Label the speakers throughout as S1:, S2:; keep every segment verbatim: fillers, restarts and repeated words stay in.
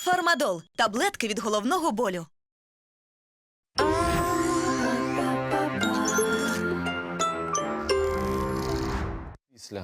S1: Фармадол – таблетки від головного болю.
S2: Після.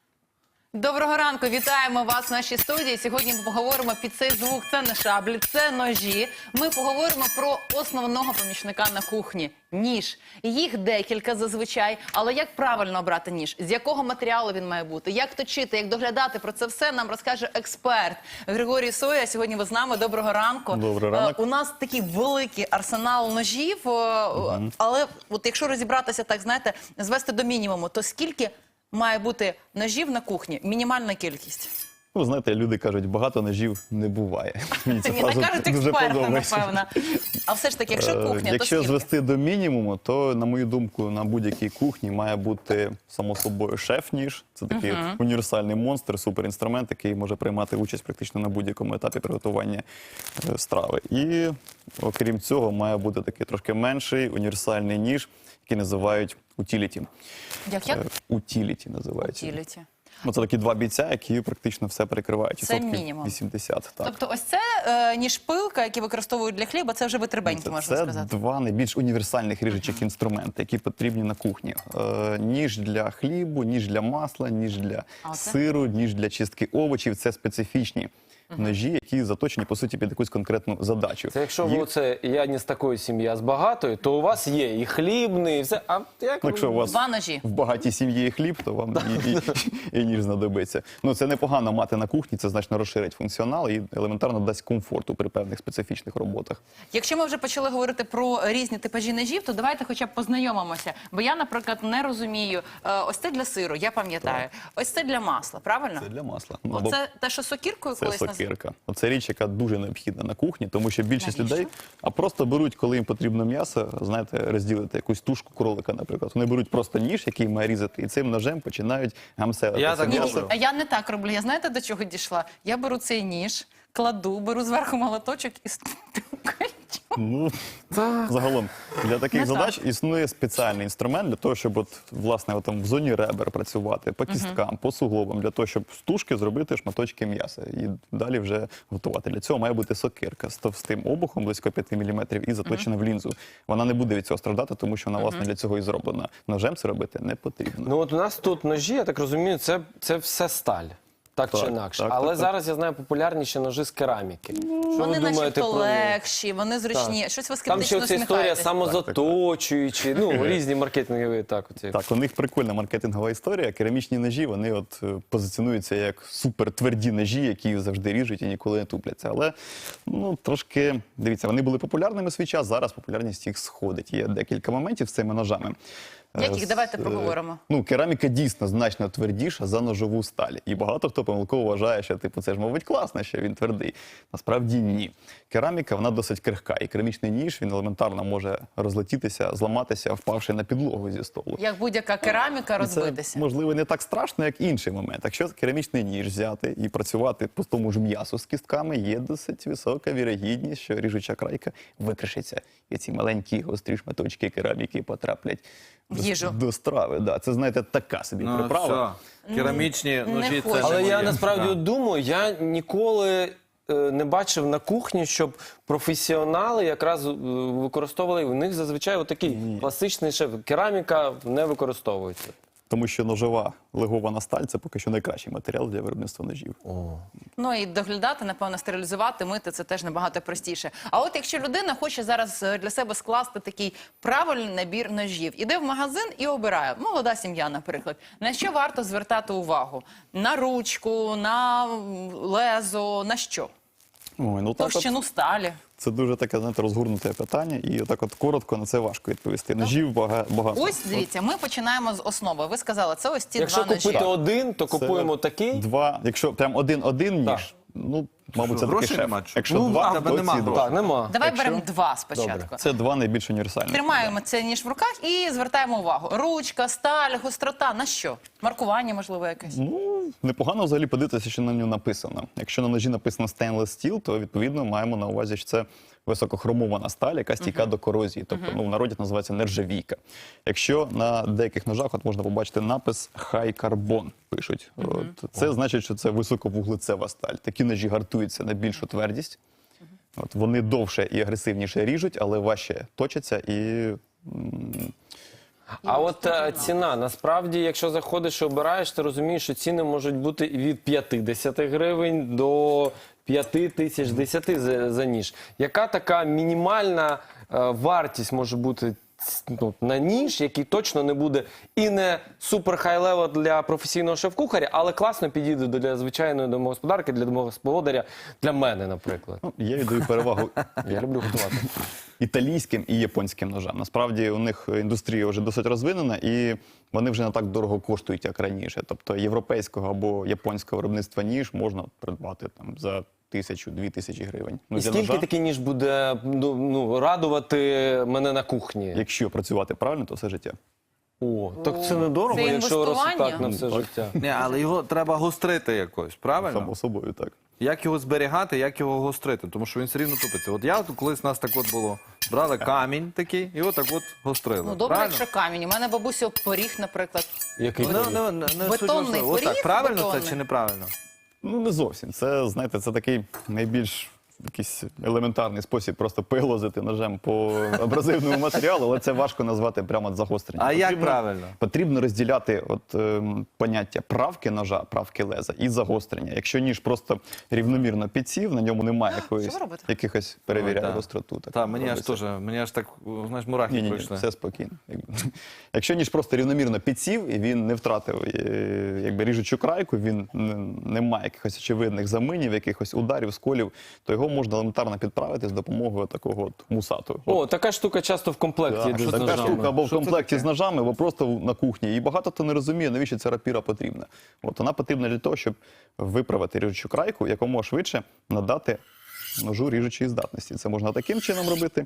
S3: Доброго ранку, вітаємо вас в нашій студії. Сьогодні ми поговоримо під цей звук. Це не шаблі, це ножі. Ми поговоримо про основного помічника на кухні – ніж. Їх декілька зазвичай, але як правильно обрати ніж? З якого матеріалу він має бути? Як точити, як доглядати? Про це все нам розкаже експерт Григорій Соя. Сьогодні ви з нами. Доброго ранку.
S4: Доброго ранку.
S3: Е, У нас такий великий арсенал ножів, е,
S4: Угу.
S3: але от якщо розібратися, так знаєте, звести до мінімуму, то скільки має бути ножів на кухні? Мінімальна кількість.
S4: Ну, знаєте, люди кажуть, багато ножів не буває. Мені ця
S3: Ні,
S4: фраза
S3: так кажуть
S4: дуже
S3: експерти,
S4: подобається.
S3: напевно. А все ж таки, якщо
S4: Е,
S3: кухня, то
S4: Якщо
S3: скільки?
S4: звести до мінімуму, то, на мою думку, на будь-якій кухні має бути, само собою, шеф-ніж. Це такий
S3: Мгм.
S4: от універсальний монстр, суперінструмент, який може приймати участь практично на будь-якому етапі приготування е, страви. І, окрім цього, має бути такий трошки менший універсальний ніж, який називають утіліті.
S3: Як, як?
S4: Утіліті називається.
S3: Утіліті.
S4: Ну, це такі два бійця, які практично все перекривають.
S3: Це
S4: відсотків
S3: мінімум.
S4: вісімдесят. Так.
S3: Тобто ось це е, ніж пилка, які використовують для хліба, це вже витребеньки,
S4: Це,
S3: можна
S4: це
S3: сказати.
S4: два найбільш універсальних ріжучих інструменти, які потрібні на кухні. Е, ніж для хлібу, ніж для масла, ніж для
S3: А оце?
S4: сиру, ніж для чистки овочів. Це специфічні ножі, які заточені, по суті, під якусь конкретну задачу.
S2: Це якщо
S4: Їх-
S2: ви це я не з такої сім'ї, а з багатої, то у вас є і хлібний, і все. А як
S4: Ну, якщо у вас
S3: Два ножі.
S4: в багатій сім'ї є хліб, то вам і, і, і ніж знадобиться. Ну, це непогано мати на кухні, це значно розширить функціонал і елементарно дасть комфорту при певних специфічних роботах.
S3: Якщо ми вже почали говорити про різні типажі ножів, то давайте хоча б познайомимося. Бо я, наприклад, не розумію. Е, ось це для сиру, я пам'ятаю. Ось це для масла, правильно?
S4: Це для масла. Ну, або
S3: Оце те, що сокіркою
S4: це
S3: колись називали?
S4: сокирка. Оце річ, яка дуже необхідна на кухні, тому що більшість
S3: Навіщо?
S4: людей а просто беруть, коли їм потрібно м'ясо, знаєте, розділити якусь тушку кролика, наприклад. Вони беруть просто ніж, який має різати, і цим ножем починають гамселити
S5: Я
S4: це
S5: так
S3: Ні, ні,
S4: м'ясо.
S3: а я не так роблю. Я знаєте, до чого дійшла? Я беру цей ніж, кладу, беру зверху молоточок і стукаю.
S4: Ну, загалом, для таких
S3: Не
S4: задач існує спеціальний інструмент для того, щоб от, власне, от, там, в зоні ребер працювати, по кісткам, по суглобам, для того, щоб з тушки зробити шматочки м'яса і далі вже готувати. Для цього має бути сокирка з товстим обухом, близько п'яти міліметрів, і заточена в лінзу. Вона не буде від цього страждати, тому що вона, власне, для цього і зроблена. Ножем це робити не потрібно.
S2: Ну от у нас тут ножі, я так розумію, це, це все сталь. Так,
S4: Так,
S2: чи інакше.
S4: так,
S2: Але
S4: так, так.
S2: зараз я знаю популярніші ножі з кераміки. Що
S3: Вони
S2: ви думаєте
S3: начебто
S2: про них?
S3: легші, вони зручні. Щось ви
S2: Там ще
S3: скептично
S2: ця історія
S3: усміхаєтесь.
S2: самозаточуючі, ну різні маркетингові так. Оці.
S4: Так, у них прикольна маркетингова історія. Керамічні ножі, вони от е, позиціонуються як супертверді ножі, які завжди ріжуть і ніколи не тупляться. Але, ну, трошки, дивіться, вони були популярними в свій час, зараз популярність їх сходить. Є декілька моментів з цими ножами.
S3: Яких?
S4: Е,
S3: Давайте
S4: з- е,
S3: проговоримо.
S4: Ну, кераміка дійсно значно твердіша за ножову сталь. І багато хто помилково вважає, що, типу, це ж, мабуть, класно, що він твердий. Насправді ні. Кераміка, вона досить крихка. І керамічний ніж, він елементарно може розлетітися, зламатися, впавши на підлогу зі столу.
S3: Як будь-яка кераміка розбитися.
S4: Це, можливо, не так страшно, як інший момент. Якщо керамічний ніж взяти і працювати по тому ж м'ясу з кістками, є досить висока вірогідність, що ріжуча крайка викришиться. І ці маленькі гострі шматочки кераміки потраплять
S3: В
S4: до-
S3: їжу.
S4: до страви. Да, це, знаєте, така собі
S5: Ну,
S4: приправа.
S5: все. Керамічні
S3: не
S5: ножі
S3: хочу.
S5: це
S2: Але
S5: не
S2: я
S5: моє.
S2: насправді
S5: Так.
S2: от думаю, я ніколи е, не бачив на кухні, щоб професіонали якраз е, використовували. У них зазвичай отакий класичний шеф. Кераміка не використовується.
S4: Тому що ножова легована сталь – це поки що найкращий матеріал для виробництва ножів.
S3: Ну і доглядати, напевно, стерилізувати, мити – це теж набагато простіше. А от якщо людина хоче зараз е, для себе скласти такий правильний набір ножів, іде в магазин і обирає, молода сім'я, наприклад, на що варто звертати увагу? На ручку, на лезо, на що?
S4: Ой, ну так от,
S3: Товщину сталі.
S4: це дуже таке, знаєте, розгорнуте питання, і отак от коротко на це важко відповісти. Ножів бага- багато.
S3: Ось, дивіться, ми починаємо з основи. Ви сказали, це ось ці
S2: Якщо
S3: два ножі.
S2: купити один, то
S4: Це
S2: купуємо такий.
S4: Два, якщо прям один-один
S2: Так.
S4: ніж, ну, мабуть, це такий
S5: грошей
S4: шеф.
S5: нема, чи?
S4: Якщо
S5: Ну,
S4: два,
S5: в тебе
S4: то
S5: нема
S4: ці
S5: грошей.
S4: два.
S2: Так, нема.
S3: Давай
S4: Якщо-
S3: беремо два спочатку.
S2: Добре.
S4: Це два найбільш універсальні.
S3: Тримаємо це ніж в руках і звертаємо увагу. Ручка, сталь, гострота, на що? Маркування, можливо, якесь?
S4: Ну, непогано взагалі подивитися, що на ньому написано. Якщо на ножі написано stainless steel, то, відповідно, маємо на увазі, що це високохромована сталь, яка стійка до корозії. Тобто, ну, в народі називається нержавійка. Якщо на деяких ножах от можна побачити напис high carbon, пишуть. От, це значить, що це високовуглецева сталь. Такі ножі гартують орієнтуються на більшу твердість. От, вони довше і агресивніше ріжуть, але важче точаться і м,
S2: А от е, ціна, насправді, якщо заходиш і обираєш, ти розумієш, що ціни можуть бути від п'ятдесят гривень до п'яти тисяч, десяти за, за ніж. Яка така мінімальна е, вартість може бути ну, на ніж, який точно не буде і не супер хай-левел для професійного шеф-кухаря, але класно підійде для звичайної домогосподарки, для домогосподаря, для мене, наприклад.
S4: ну, я віддаю перевагу
S2: Я люблю готувати.
S4: італійським і японським ножам. Насправді у них індустрія вже досить розвинена, і вони вже не так дорого коштують, як раніше. Тобто європейського або японського виробництва ніж можна придбати там за тисячу-дві тисячі гривень. Ну,
S2: І
S4: для
S2: скільки
S4: ножа,
S2: такий ніж буде ну, ну, радувати мене на кухні?
S4: якщо працювати правильно, то все життя.
S2: О, так це недорого,
S3: Це
S2: якщо роз-
S3: інвестування?
S2: так на все життя.
S5: Ні, але його треба гострити якось, правильно?
S4: Само собою, так.
S5: Як його зберігати, як його гострити, тому що він все рівно тупиться. От я от колись у нас так от було. Брали камінь такий і отак от гострили.
S3: Ну, добре,
S5: правильно?
S3: якщо камінь. У мене бабуся поріг, наприклад.
S2: Який
S5: Ну, ну, ну, не
S3: Бетонний
S5: суть важливо. Ось
S3: поріг,
S5: так, правильно
S3: бетонний.
S5: це чи неправильно?
S4: Ну, не зовсім. Це, знаєте, це такий найбільш якийсь елементарний спосіб просто пилозити ножем по абразивному матеріалу, але це важко назвати прямо загостренням.
S5: А як правильно?
S4: Потрібно розділяти от, ем, поняття правки ножа, правки леза і загострення. Якщо ніж просто рівномірно підсів, на ньому немає якоїсь,
S3: ви робите?
S4: якихось перевіряє
S5: Ой, да.
S4: гостроту. Так,
S5: Так, мені аж
S4: робиться.
S5: теж, мені аж так, знаєш, мурахи
S4: Ні, ні, ні,
S5: пройшли.
S4: все спокійно. Якби. Якщо ніж просто рівномірно підсів і він не втратив е, якби, ріжучу крайку, він не, не має якихось очевидних заминів, якихось ударів, сколів, то його можна елементарно підправити з допомогою такого от мусату.
S2: О, така штука часто в комплекті
S4: Так,
S2: йде з
S4: така
S2: ножами.
S4: штука або в
S5: Що це
S4: комплекті
S5: таке?
S4: з ножами, або просто на кухні. І багато хто не розуміє, навіщо ця рапіра потрібна. От вона потрібна для того, щоб виправити ріжучу крайку, якомога швидше надати ножу ріжучої здатності. Це можна таким чином робити.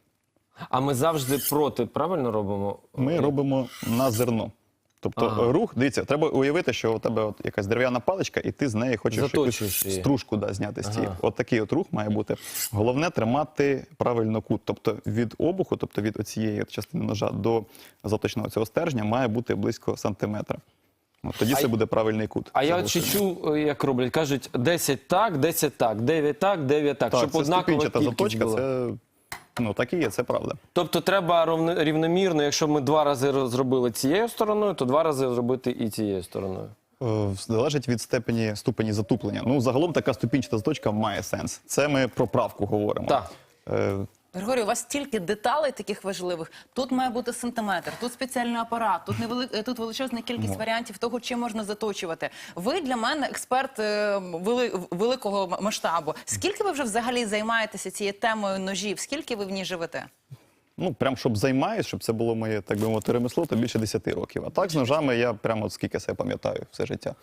S2: А ми завжди проти, правильно робимо?
S4: Ми робимо на зерно. Тобто
S2: Ага.
S4: рух, дивіться, треба уявити, що у тебе от якась дерев'яна паличка, і ти з неї хочеш
S2: Заточуєш
S4: якусь
S2: її.
S4: стружку да, зняти з цієї.
S2: Ага.
S4: От такий от рух має бути. Головне тримати правильно кут. Тобто від обуху, тобто від оцієї от частини ножа до заточного цього стержня має бути близько сантиметра. От тоді це буде правильний кут.
S2: А я от ще
S4: загострення.
S2: чув, як роблять, кажуть, десять так, десять так, дев'ять так, дев'ять так,
S4: Так,
S2: щоб
S4: це
S2: однакова
S4: ступінчата
S2: кількість
S4: заточка,
S2: була.
S4: це, ну, так і є, це правда.
S2: Тобто треба ровно- рівномірно, якщо ми два рази роз- зробили цією стороною, то два рази зробити і цією стороною.
S4: Е, Залежить від степені ступені затуплення. Ну, загалом така ступінчата заточка має сенс. Це ми про правку говоримо.
S2: Так.
S4: Е,
S3: Григорій, у вас стільки деталей таких важливих. Тут має бути сантиметр, тут спеціальний апарат, тут невели... е, тут величезна кількість варіантів того, чим можна заточувати. Ви для мене експерт е, вели... великого м- масштабу. Скільки ви вже взагалі займаєтеся цією темою ножів? Скільки ви в ній живете?
S4: Ну, прям щоб займаюсь, щоб це було моє, так би мовити, ремесло, то більше десяти років. А так з ножами я прямо от скільки себе пам'ятаю все життя.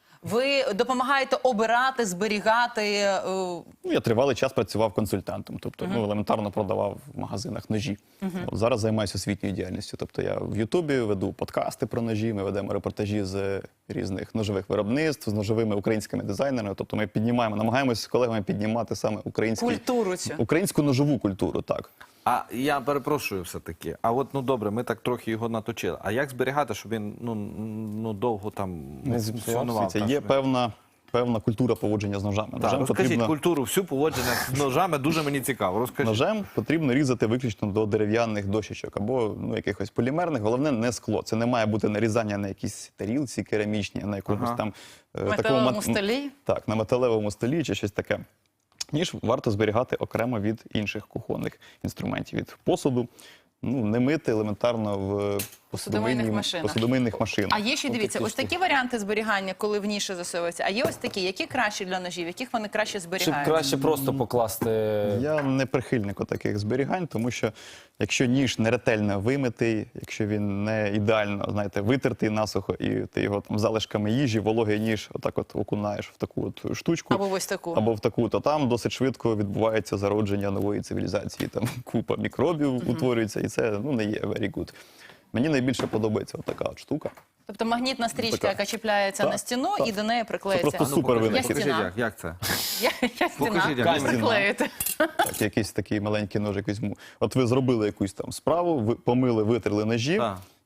S3: Ви допомагаєте обирати, зберігати. е,
S4: Ну, я тривалий час працював консультантом, тобто ну, елементарно продавав в магазинах ножі. От зараз займаюся освітньою діяльністю. Тобто я в Ютубі веду подкасти про ножі, ми ведемо репортажі з різних ножових виробництв, з ножовими українськими дизайнерами. Тобто ми піднімаємо, намагаємося з колегами піднімати саме український,
S3: Культуру цю.
S4: українську ножову культуру, так.
S5: А я перепрошую все-таки. А от, ну добре, ми так трохи його наточили. А як зберігати, щоб він ну, ну довго там
S2: Не зіпсувався?
S5: функціонував?
S4: Це
S5: так,
S4: є
S5: щоб він-
S4: певна, певна культура поводження з ножами.
S5: Так,
S4: Ножем
S5: розкажіть
S4: потрібно...
S5: культуру, всю поводження з ножами, дуже мені цікаво. Розкажіть.
S4: Ножем потрібно різати виключно до дерев'яних дощечок або ну, якихось полімерних. Головне не скло. Це не має бути нарізання на якісь тарілці керамічні, на якомусь
S5: Ага.
S4: там е,
S3: Металевому
S4: мат-
S3: столі?
S4: Так, на металевому столі чи щось таке. Ніж варто зберігати окремо від інших кухонних інструментів, від посуду. Ну, не мити елементарно в
S3: Посудомийних
S4: посудомийній-
S3: машинах.
S4: посудомийних машинах.
S3: А є ще, дивіться, ось такі варіанти зберігання, коли в ніші засовуються. А є ось такі, які кращі для ножів, яких вони краще
S2: Щоб
S3: зберігають?
S2: краще просто покласти.
S4: Я не прихильник таких зберігань, тому що якщо ніж не ретельно вимитий, якщо він не ідеально, знаєте, витертий насухо, і ти його там залишками їжі, вологий ніж, отак от окунаєш в таку от штучку.
S3: Або в ось таку.
S4: Або в таку, то там досить швидко відбувається зародження нової цивілізації. Там купа мікробів утворюється, і це ну, не є very good. Мені найбільше подобається от така от штука.
S3: Тобто магнітна стрічка,
S4: Така.
S3: яка чіпляється
S4: Так,
S3: на стіну
S4: так.
S3: і до неї приклеїться.
S4: Це просто
S5: Ну,
S4: супер
S5: покажіть,
S4: винахід.
S5: покажіть,
S3: стіна.
S5: як, як це?
S3: Я, я стіна.
S5: Покажіть, як
S3: Камінь.
S5: це.
S3: Приклеїти.
S4: Так, якийсь такий маленький ножик візьму. От ви зробили якусь там справу, ви помили, витерли ножі,
S5: Так.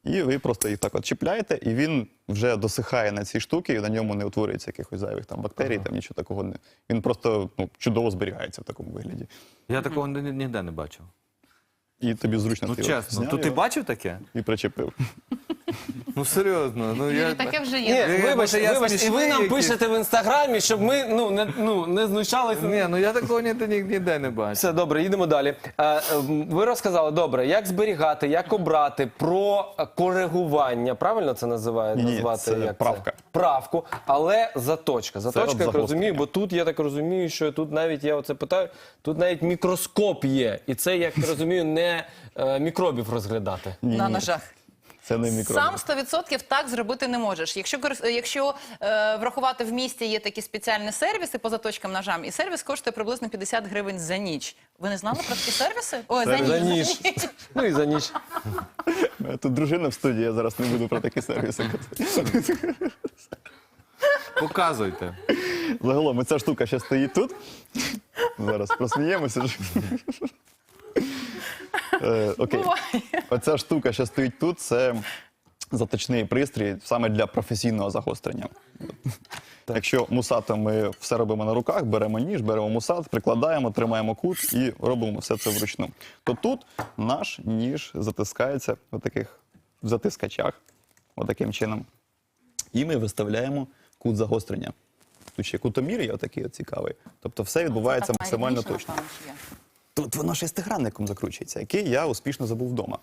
S4: І ви просто їх так от чіпляєте, і він вже досихає на цій штуці, і на ньому не утворюється якихось зайвих там бактерій, там нічого такого не. Він просто ну, чудово зберігається в такому вигляді.
S5: Я такого ні- ні- ніде не бачив.
S4: І тобі зручно
S5: Ну
S4: ти от
S5: чесно,
S4: зняв
S5: то ти
S4: його
S5: бачив таке?
S4: і причепив.
S5: Ну серйозно. Ну, я...
S3: Юрій, таке вже
S2: Ні,
S3: є.
S5: Ні,
S2: вибач,
S5: може, я
S2: вибач, і ви
S5: смішний
S2: нам
S5: якийсь?
S2: пишете в інстаграмі, щоб ми ну не ну не знущалися.
S5: Ні, ну я такого ніде, ні- ніде не бачив.
S2: Все добре, їдемо далі. Е, е, Ви розказали добре, як зберігати, як обрати, про коригування. Правильно це називає
S4: Ні-ні,
S2: назвати?
S4: це
S2: як
S4: правка.
S2: Правку, але заточка. Заточка,
S4: от
S2: як
S4: загострення.
S2: розумію, бо тут я так розумію, що тут навіть я оце питаю, тут навіть мікроскоп є, і це, як я розумію, не е, мікробів розглядати.
S4: Ні,
S3: На
S4: ні,
S3: ножах.
S4: Це не мікроби.
S3: Сам сто відсотків так зробити не можеш. Якщо, корис- якщо е, врахувати в місті є такі спеціальні сервіси по заточкам ножам, і сервіс коштує приблизно п'ятдесят гривень за ніч. Ви не знали про такі сервіси? Ой, за ніч.
S2: За ніж. Ну і за ніч.
S4: Тут дружина в студії, я зараз не буду про такі сервіси.
S5: Показуйте.
S4: Загалом, ця штука ще стоїть тут. Зараз просміємося. Е, Окей.
S3: Буває.
S4: Оця штука, що стоїть тут, це заточний пристрій саме для професійного загострення. Якщо мусатом ми все робимо на руках, беремо ніж, беремо мусат, прикладаємо, тримаємо кут і робимо все це вручну. То тут наш ніж затискається в таких затискачах, отаким чином. І ми виставляємо кут загострення. Тут ще кутомір є отакий от цікавий. Тобто все відбувається
S3: Так
S4: максимально
S3: найрідніше,
S4: точно.
S3: напевно, що є.
S4: Тут воно шестигранником закручується, який я успішно забув вдома.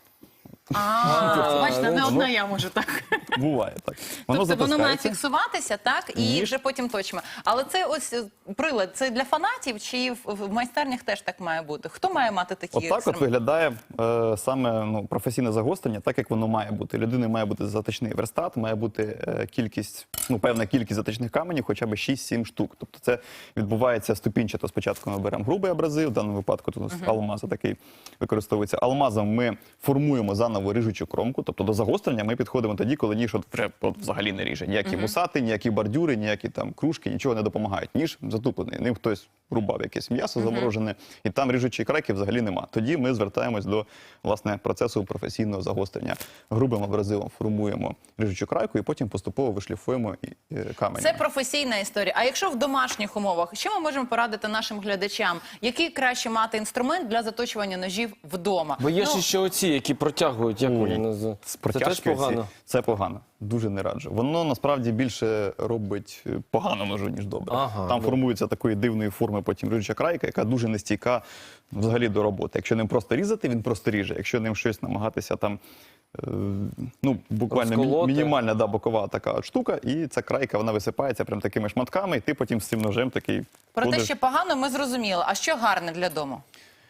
S3: А, бачите, не
S4: ну,
S3: одна я можу так.
S4: Буває так. Воно
S3: Тобто воно має
S4: затискається.
S3: фіксуватися, так, і
S4: Ніж.
S3: вже потім точимо. Але це ось е, прилад, це для фанатів чи в, в майстернях теж так має бути? Хто має мати такі
S4: Отак от
S3: інструменти?
S4: виглядає е, саме ну, професійне загострення, так як воно має бути. Людини має бути заточний верстат, має бути е, кількість, ну певна кількість заточних каменів, хоча б шість-сім штук. Тобто це відбувається ступінчато. Спочатку ми беремо грубий абразив, в даному випадку тут uh-huh. алмаз такий використовується. Алмазом ми формуємо заново ріжучу кромку, тобто до загострення ми підходимо тоді, коли ніж от, вже, от взагалі не ріже. Ніякі uh-huh. мусати, ніякі бордюри, ніякі там кружки, нічого не допомагають. Ніж затуплений, ним хтось рубав якесь м'ясо uh-huh. заморожене, і там ріжучої крайки взагалі нема. Тоді ми звертаємось до власне процесу професійного загострення. Грубим абразивом формуємо ріжучу крайку і потім поступово вишліфуємо і, е, камені.
S3: Це професійна історія. А якщо в домашніх умовах, що ми можемо порадити нашим глядачам? Який краще мати інструмент для заточування ножів вдома?
S2: Бо є
S3: Ну,
S2: ж ще оці, які протягують, як вони називають.
S4: З
S2: Це теж
S4: протяжки оці.
S2: погано.
S4: Це погано. Дуже не раджу. Воно насправді більше робить е, погано ножу, ніж добре.
S2: Ага,
S4: Там
S2: ну.
S4: формується такої дивної форми потім ріжуча крайка, яка дуже нестійка взагалі до роботи. Якщо ним просто різати, він просто ріже. Якщо ним щось намагатися там, е, ну, буквально мі-
S2: Розколоти.
S4: мінімальна да, бокова така от штука, і ця крайка, вона висипається прям такими шматками, і ти потім з цим ножем такий
S3: Про те,
S4: ходиш.
S3: що погано, ми зрозуміли. А що гарне для дому?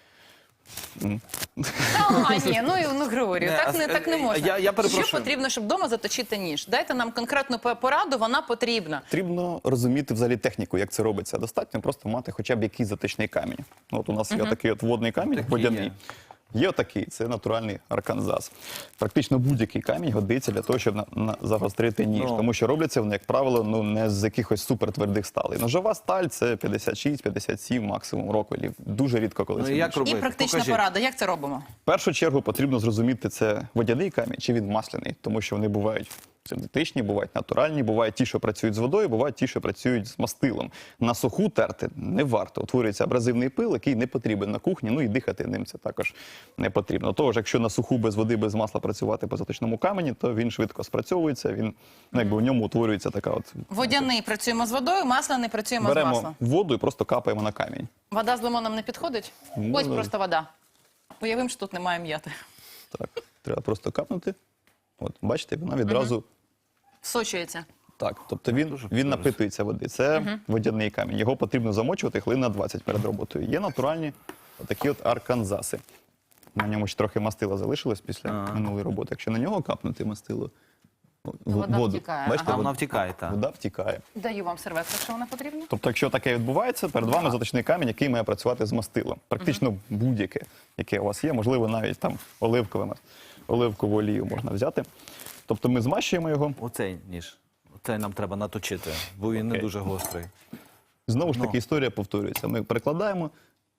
S3: Та, ні, ну, і- ну Григорію,
S5: Не,
S3: так
S5: а
S3: не,
S5: с-
S3: так не
S5: е,
S3: можна.
S5: я- я
S3: Що
S5: перепрошую.
S3: потрібно, щоб вдома заточити ніж? Дайте нам конкретну по- пораду, вона потрібна.
S4: Потрібно розуміти взагалі техніку, як це робиться. Достатньо просто мати хоча б якийсь затичний камінь. Ну, от у нас є такий от водний камінь,
S5: Такий
S4: водяний.
S5: є.
S4: Є отакий, це натуральний арканзас. Практично будь-який камінь годиться для того, щоб на, на- загострити ніж.
S5: Ну.
S4: Тому що робляться вони, як правило, ну не з якихось супертвердих сталей. Ножова сталь це п'ятдесят шість п'ятдесят сім максимум років. Дуже рідко коли
S5: Ну,
S4: це
S5: як
S4: більше.
S5: робити?
S3: І практична
S5: Покажіть.
S3: порада. Як це робимо?
S4: В першу чергу потрібно зрозуміти, це водяний камінь чи він масляний, тому що вони бувають синтетичні, бувають натуральні, бувають ті, що працюють з водою, бувають ті, що працюють з мастилом. На суху терти не варто. Утворюється абразивний пил, який не потрібен на кухні, ну і дихати ним це також не потрібно. Того ж, якщо на суху без води, без масла працювати по заточному камені, то він швидко спрацьовується, він, ну, якби в ньому утворюється така от...
S3: Водяний працюємо з водою, масляний працюємо з
S4: Беремо
S3: маслом.
S4: воду і просто капаємо на камінь.
S3: Вода з лимоном не підходить?
S4: Можна.
S3: Ось просто вода. Уявимо, що тут немає м'яти.
S4: Так, треба просто капнути. От, бачите, вона відразу...
S3: Всочується.
S4: Так, тобто він, він напитується води. Це водяний камінь. Його потрібно замочувати хвилин на двадцять перед роботою. Є натуральні отакі от арканзаси. На ньому ще трохи мастила залишилось після
S5: Ага.
S4: минулої роботи. Якщо на нього капнути мастило, в-
S3: Вода
S4: воду,
S3: втікає.
S4: бачите,
S3: Ага.
S4: вод-
S5: Вона втікає, так.
S4: вода втікає.
S3: Даю вам серветку, якщо вона потрібна.
S4: Тобто, якщо таке відбувається, перед вами заточний камінь, який має працювати з мастилом. Практично будь-яке, яке у вас є, можливо, навіть там оливкове, оливкову олію можна взяти. Тобто ми змащуємо його.
S5: Оцей ніж. Оцей нам треба наточити, бо він не
S4: Окей.
S5: дуже гострий.
S4: Знову ж
S5: Ну.
S4: таки, історія повторюється. Ми перекладаємо,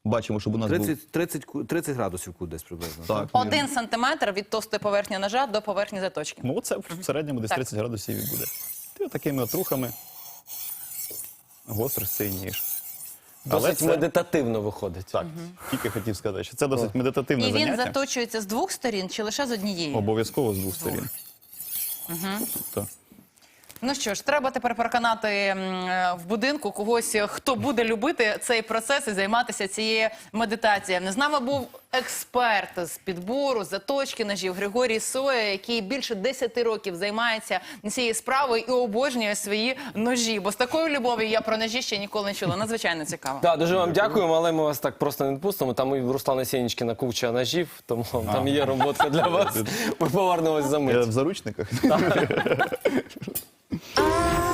S4: Бачимо, щоб у нас був...
S5: тридцять, тридцять, ку- тридцять градусів кут десь приблизно.
S4: Так,
S3: Один сантиметр від товстої поверхні ножа до поверхні заточки.
S4: ну це в середньому десь
S3: Так.
S4: тридцять градусів і буде. І такими от рухами гострий цей ніж. Але
S2: Досить
S4: це-
S2: медитативно виходить.
S4: Так, тільки хотів сказати, що це досить медитативне
S3: І він
S4: заняття.
S3: заточується з двох сторін чи лише з однієї?
S4: Обов'язково з двох сторін. Тобто,
S3: Ну що ж, треба тепер переконати м, е, в будинку когось, е, хто буде любити цей процес і займатися цією медитацією. З нами був експерт з підбору, заточки ножів Григорій Соя, який більше десяти років займається цією справою і обожнює свої ножі. Бо з такою любов'ю я про ножі ще ніколи не чула. Надзвичайно цікаво.
S2: Так, дуже вам дякуємо, але ми вас так просто не відпустимо. Там і в Руслана Сєнічкіна куча ножів, тому там є робота для вас. Ми повернемось за
S4: я
S2: мить.
S4: в заручниках.
S1: А